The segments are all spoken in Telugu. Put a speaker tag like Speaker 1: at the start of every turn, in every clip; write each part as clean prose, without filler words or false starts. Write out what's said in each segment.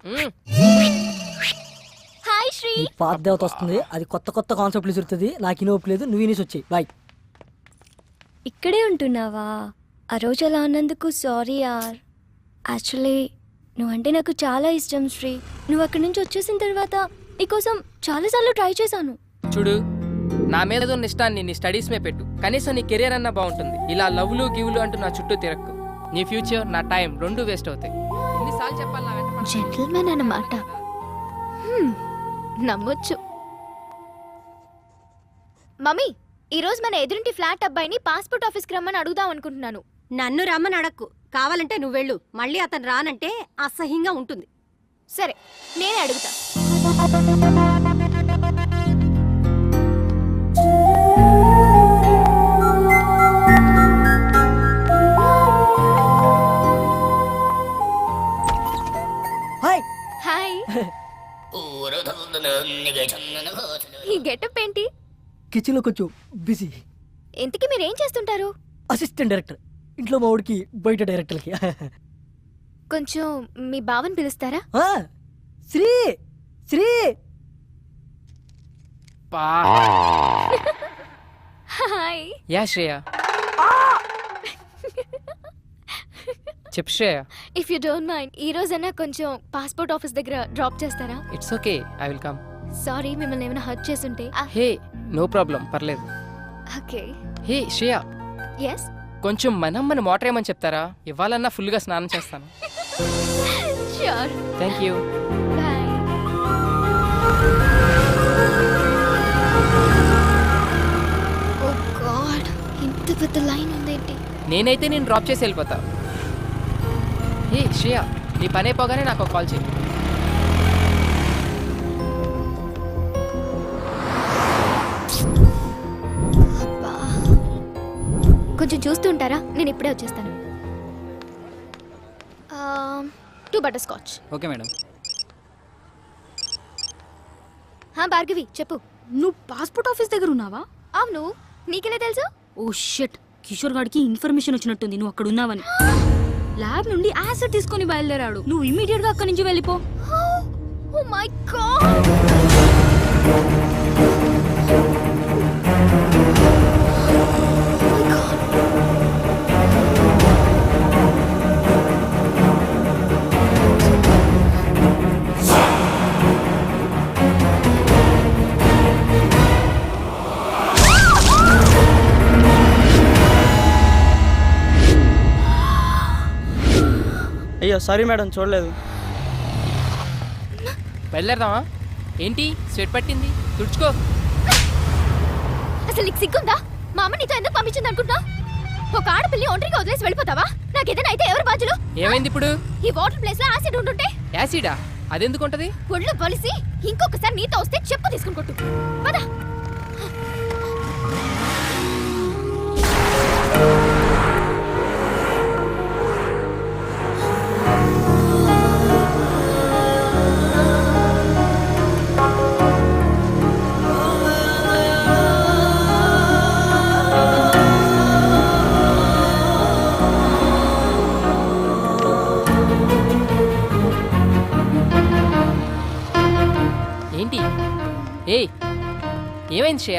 Speaker 1: హాయ్ శ్రీ.
Speaker 2: పాత దేవత వస్తుంది, అది కొత్త కొత్త కాన్సెప్ట్లు విసురుతుంది. నాకు ఇనోపు లేదు, నువ్వు ఇనేసి వచ్చాయి. బాయ్.
Speaker 1: ఇక్కడే ఉంటున్నావా? ఆ రోజు అలా అన్నందుకు సారీ యార్. యాక్చువల్లీ నువ్వంటే నాకు చాలా ఇష్టం శ్రీ. నువ్వు అక్కడి నుంచి వచ్చేసిన తర్వాత నీకోసం చాలాసార్లు ట్రై చేశాను.
Speaker 3: చూడు, నా మీద ఉన్న ఇష్టాన్ని నీ స్టడీస్ మీద పెట్టు. కనీసం నీ కెరీర్ అన్నా బాగుంటుంది. ఇలా లవ్లు గివ్లు అంటూ నా చుట్టూ తిరక్కు. నీ ఫ్యూచర్, నా టైం రెండు వేస్ట్ అవుతాయి. ఎన్నిసార్లు చెప్పాలి నా వెంట పడకు.
Speaker 1: జెంటిల్మెన్ అన్నమాట. నమ్మొచ్చు. మమ్మీ, ఈరోజు మన ఎదురింటి ఫ్లాట్ అబ్బాయిని పాస్పోర్ట్ ఆఫీస్కి రమ్మని అడుగుదాం అనుకుంటున్నాను.
Speaker 4: నన్ను రమ్మని అడక్కు. కావాలంటే నువ్వు వెళ్ళు. మళ్ళీ అతను రానంటే అసహ్యంగా ఉంటుంది.
Speaker 1: సరే, నేనే అడుగుతా.
Speaker 2: హాయ్.
Speaker 1: హాయ్. ఈ గెటప్ ఏంటి?
Speaker 2: కిచెన్లో కొంచెం బిజీ.
Speaker 1: ఇంతకీ మీరేం చేస్తుంటారు?
Speaker 2: Assistant director. ఇంట్లో మా ఊడికి, బయట డైరెక్టర్కి.
Speaker 1: కొంచెం మీ బావని పిలుస్తారా?
Speaker 2: శ్రీ శ్రీ.
Speaker 3: పా.
Speaker 1: హాయ్.
Speaker 3: యా శ్రేయ. చెప్పు Shreya.
Speaker 1: If you don't mind, ఈ రోజైనా కొంచెం పాస్పోర్ట్ ఆఫీస్ దగ్గర డ్రాప్ చేస్తారా?
Speaker 3: It's okay, I will come.
Speaker 1: Sorry, మిమ్మల్ని ఏమైనా హర్ట్ చేసుంటే.
Speaker 3: హే, నో ప్రాబ్లం, పర్లేదు.
Speaker 1: ఓకే.
Speaker 3: Hey Shreya,
Speaker 1: yes.
Speaker 3: కొంచెం మనమ్మని మోటర్ ఏమని చెప్తారా? ఇవ్వాలన్నా ఫుల్గా స్నానం చేస్తాను.
Speaker 1: Sure.
Speaker 3: Thank you.
Speaker 1: Bye. Oh god, ఇంత పెద్ద లైన్ ఉందేంటి?
Speaker 3: నేనైతే నేను డ్రాప్ చేసి వెళ్ళిపోతా. హే శ్రేయ, నీ పని అయిపోగానే నాకు ఒక కాల్ చేయి.
Speaker 1: అబ్బా. కొంచెం చూస్తూ ఉంటారా? నేను ఇప్పుడే వచ్చేస్తాను. 2 butter scotch.
Speaker 3: Okay madam.
Speaker 1: Bhargavi చెప్పు.
Speaker 4: నువ్వు పాస్పోర్ట్ ఆఫీస్ దగ్గర ఉన్నావా?
Speaker 1: అవును, నీకెలా తెలుసు?
Speaker 4: ఓ షిట్, కిషోర్ గాడికి ఇన్ఫర్మేషన్ వచ్చినట్టుంది నువ్వు అక్కడ ఉన్నావని. ల్యాబ్ నుండి యాసిడ్ తీసుకొని బయలుదేరాడు. నువ్వు ఇమీడియట్ గా అక్కడి నుంచి వెళ్ళిపో.
Speaker 1: Oh my god.
Speaker 5: అయ్యో సారీ మేడం, చూడలేదు.
Speaker 3: బయలుదేరదామా? ఏంటి స్వెట్ పట్టింది? తుడుచుకో.
Speaker 1: అసలు నీకు సిగ్గుందా? మా అమ్మ నీతో ఎందుకు పంపించింది అనుకుంటా? ఒక ఆడపిల్లి ఒంటరిగా వదిలేసి వెళ్ళిపోతావా? నాకేదైనా అయితే ఎవరు బాధ్యులు?
Speaker 3: ఏమైంది ఇప్పుడు?
Speaker 1: ఈ వాటర్ ప్లేస్ లో యాసిడ్ ఉంటుంటే.
Speaker 3: యాసిడా? అదెందుకుంటది?
Speaker 1: ఒళ్ళు పొలిసి ఇంకొకసారి నీతో వస్తే చెప్పు తీసుకుని కొట్టు. పద.
Speaker 3: ఏంటి? ఏయ్, ఏమైంది శ్రేయ?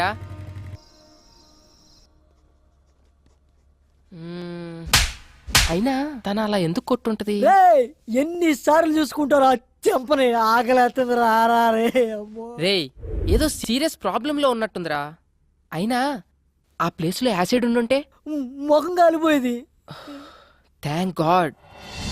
Speaker 3: అయినా తన అలా ఎందుకు కొట్టుంటది?
Speaker 2: ఎన్నిసార్లు చూసుకుంటారా? చెంపని ఆకలేస్తుంది. రారా రే.
Speaker 3: రేయ్, ఏదో సీరియస్ ప్రాబ్లం లో ఉన్నట్టుందిరా. అయినా ఆ ప్లేస్ లో యాసిడ్ ఉండుంటే
Speaker 2: ముఖం కాలిపోయేది.
Speaker 3: Thank God.